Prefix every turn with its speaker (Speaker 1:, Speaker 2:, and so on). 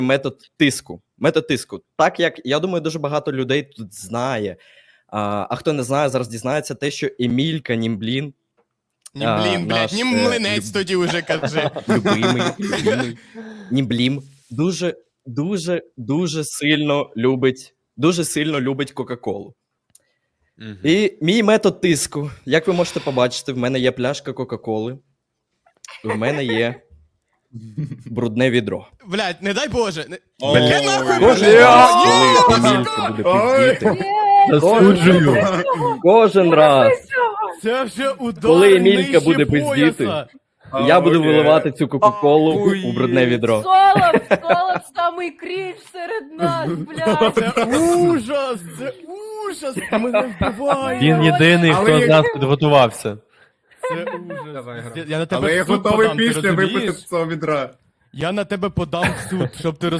Speaker 1: метод тиску. Метод тиску. Так як, я думаю, дуже багато людей тут знає. А хто не знає, зараз дізнається те, що Емілька Німблін,
Speaker 2: Німблін, блядь,
Speaker 1: наш,
Speaker 2: Німмлинець тоді вже кажи.
Speaker 1: любимий Німблім, дуже сильно любить Кока-Колу. І мій метод тиску, як ви можете побачити, в мене є пляшка Кока-Коли, в мене є брудне відро.
Speaker 2: Блядь, не дай Боже.
Speaker 3: Ой.
Speaker 2: Яке нахуй
Speaker 1: Кожен
Speaker 2: відро?
Speaker 1: раз,
Speaker 2: Ні,
Speaker 1: коли
Speaker 2: сука!
Speaker 1: Емілька буде пиздіти,
Speaker 4: Засуджую.
Speaker 1: кожен раз,
Speaker 2: Це вже удар
Speaker 1: коли Емілька
Speaker 2: нижче
Speaker 1: буде
Speaker 2: пояса.
Speaker 1: пиздіти, я буду виливати цю Кока-Колу у брудне відро.
Speaker 5: Солод самий крінж серед нас, блядь.
Speaker 2: Це ужас, це ужас, мене вбиває.
Speaker 4: Він єдиний,
Speaker 3: Але
Speaker 4: хто
Speaker 3: я-
Speaker 4: з нас підготувався.
Speaker 2: Це ужас.
Speaker 3: Давай, гра.
Speaker 2: Я на тебе
Speaker 3: Але я
Speaker 2: в суд
Speaker 3: готовий
Speaker 2: подам, ти
Speaker 3: після випити
Speaker 2: розумієш?
Speaker 3: з цього відра.
Speaker 2: Я на тебе подам в суд, щоб ти